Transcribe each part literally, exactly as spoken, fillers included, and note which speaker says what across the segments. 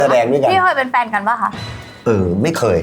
Speaker 1: แสดงด้วยกัน
Speaker 2: พี่เคยเป็นแฟนกันป่ะคะ
Speaker 1: เออไม่เคย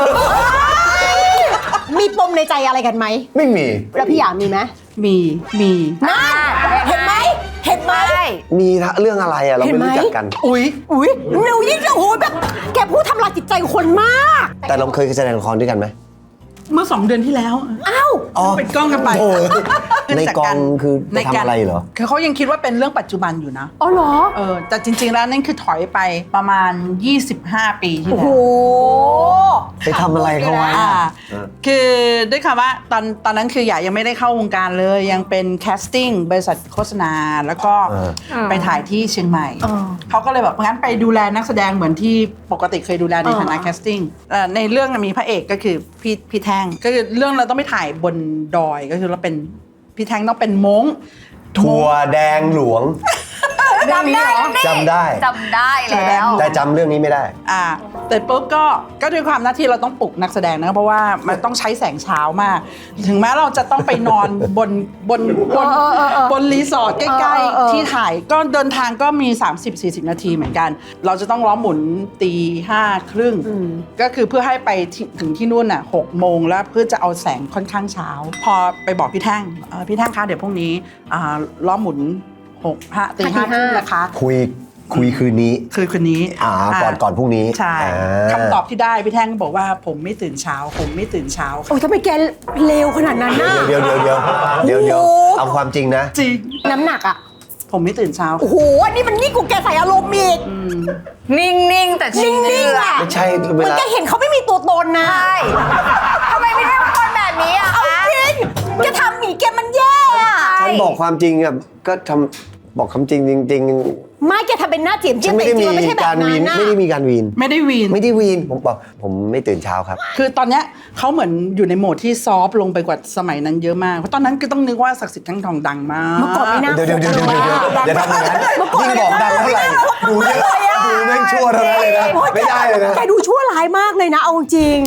Speaker 3: มีปมในใจอะไรกันไหม
Speaker 1: ไม่มี
Speaker 3: แล้วพี่อยากมีไหม
Speaker 4: มีมี
Speaker 3: น่าเห็นไหมเห็นไหม
Speaker 1: มีเรื่องอะไรอะเราไม่รู้จักกัน
Speaker 4: อุ้ย
Speaker 3: อุ้ยหนูยิ่งจะโหแบบแกพูดทำลายจิตใจคนมาก
Speaker 1: แต่เราเคยแสดงละครด้วยกันไหม
Speaker 4: เมื่อสองเดือนที่แล้ว
Speaker 3: อ้าว
Speaker 4: เป็นกล้องกันไป
Speaker 1: ในกองคือจะทำอะไรเหรอ
Speaker 4: คือเขายังคิดว่าเป็นเรื่องปัจจุบันอยู่นะ
Speaker 3: อ๋อเหรอ
Speaker 4: เออแต่จริงๆแล้วนั่นคือถอยไปประมาณยี่สิบห้าปีที่แล้ว
Speaker 3: โอ้โห
Speaker 1: ไปทำอะไรเขาไว้
Speaker 4: คือด้วยคำว่าตอนตอนนั้นคืออยากยังไม่ได้เข้าวงการเลยยังเป็นแคสติ้งบริษัทโฆษณาแล้วก็ไปถ่ายที่เชียงใหม่เขาก็เลยแบบงั้นไปดูแลนักแสดงเหมือนที่ปกติเคยดูแลในฐานะแคสติ้งในเรื่องมีพระเอกก็คือพี่พี่แท่งก็คือเรื่องเราต้องไปถ่ายบนดอยก็คือเราเป็นพี่แท่งต้องเป็นม้ง
Speaker 1: ถั่วแดงหลวง
Speaker 2: จำได้
Speaker 1: จำได้
Speaker 2: จำได้แล้ว
Speaker 1: แต่จำเรื่องนี้ไม่ได้
Speaker 4: อ่าแต่ปุ๊บก็ก็ด้วยความหน้าที่เราต้องปลุกนักแสดงนะเพราะว่ามันต้องใช้แสงเช้ามากถึงแม้เราจะต้องไปนอนบนบนบนบนรีสอร์ทใกล้ๆที่ถ่ายก็เดินทางก็มี สามสิบสี่สิบ นาทีเหมือนกันเราจะต้องล้อมหมุนตีห้าครึ่งก็คือเพื่อให้ไปถึงที่นู่นน่ะหกโมงแล้วเพื่อจะเอาแสงค่อนข้างเช้าพอไปบอกพี่แท่งพี่แท่งคะเดี๋ยวพรุ่งนี้ล้อมหมุนหกห้าตีห้าครึ่งนะคะ
Speaker 1: คุยคุยคืนนี้
Speaker 4: คือคืนนี้
Speaker 1: อ่าก่อนก่อนพรุ่งนี้
Speaker 4: ใช่คำตอบที่ได้พี่แท่งบอกว่าผมไม่ตื่นเช้าผมไม่ตื่นเช้า
Speaker 3: โอ้ยทำไมแกเลวขนาดนั้นน่ะ
Speaker 1: เดี๋ยวเดี๋ยวเดี๋ยวเดี๋ยวเดี๋ยวเอาความจริงนะ
Speaker 4: จริง
Speaker 3: น้ำหนักอ่ะ
Speaker 4: ผมไม่ตื่นเช้า
Speaker 3: โอ้โหอันนี้มันนี่กูแกใส่อารมณ์อีก
Speaker 2: นิ่งๆแต่
Speaker 3: นิ่งๆอ่ะ
Speaker 1: ไม่ใช่เวลา
Speaker 3: แกเห็นเขาไม่มีตัวตนนะ
Speaker 2: ใช่ทำไมไม่ได้เป็นคนแบบนี้อ่ะ
Speaker 3: เอาจริงแกทำหมีแกมันแย่อ่ะ
Speaker 1: ฉันบอกความจริงอ่ะก็ทำบอกคำจริงจริง
Speaker 3: ๆไม่แกทำเป็นหน้าเจียมเจียม
Speaker 1: ไม่ได้มีการวีนไม่ได้มีการวีน
Speaker 4: ไม่ได้วีน
Speaker 1: ไม่ได้วีนผมบอกผมไม่ตื่นเช้าครับ
Speaker 4: คือตอนเนี้ยเขาเหมือนอยู่ในโหมดที่ซอฟลงไปกว่าสมัยนั้นเยอะมากเพราะตอนนั้นก็ต้องนึกว่าศักดิ์สิทธิ์ทั้งทองดังมาก
Speaker 3: เมื่อก่อนไม่น่า
Speaker 1: เดี๋ยวเดี๋ยวเดี๋ยวเดี๋ยวอย่าทำอย่างนั้นยิ่งบอกดังเท่าไหร่ดูเยอะดูแม่งชั่วเท่านั้นเลยนะไม่ได้เลยนะ
Speaker 3: แกดูชั่วร้ายมากเลยนะเอาจริง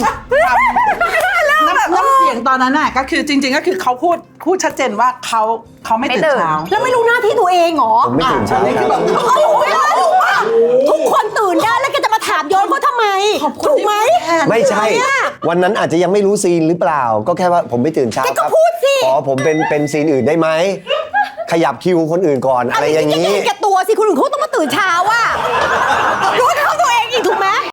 Speaker 4: น้ำเสียงตอนนั้นน่ะก็คือจริงๆก็คือเขาพูดพูดชัดเจนว่าเขาเขาไม่ตื่นเช้า
Speaker 3: แล้วไม่รู้หน้าที่ตัวเองเหรอ
Speaker 1: ผมไม่ตื่นเช้า
Speaker 3: ทุกคนตื่นได้แล้วแกจะมาถามย้อนเขาทำไมถูกไหม
Speaker 1: ไม่ใช่วันนั้นอาจจะยังไม่รู้ซีนหรือเปล่าก็แค่ว่าผมไม่ตื่นเช้าครับขอผมเป็นเป็นซีนอื่นได้ไหมขยับคิวคนอื่นก่อนอะไรอย่างนี้
Speaker 3: แกตัวสิคนอื่นเขาต้องมาตื่นเช้าว่ะรู้เท่าตัวเองอีกถูกไหม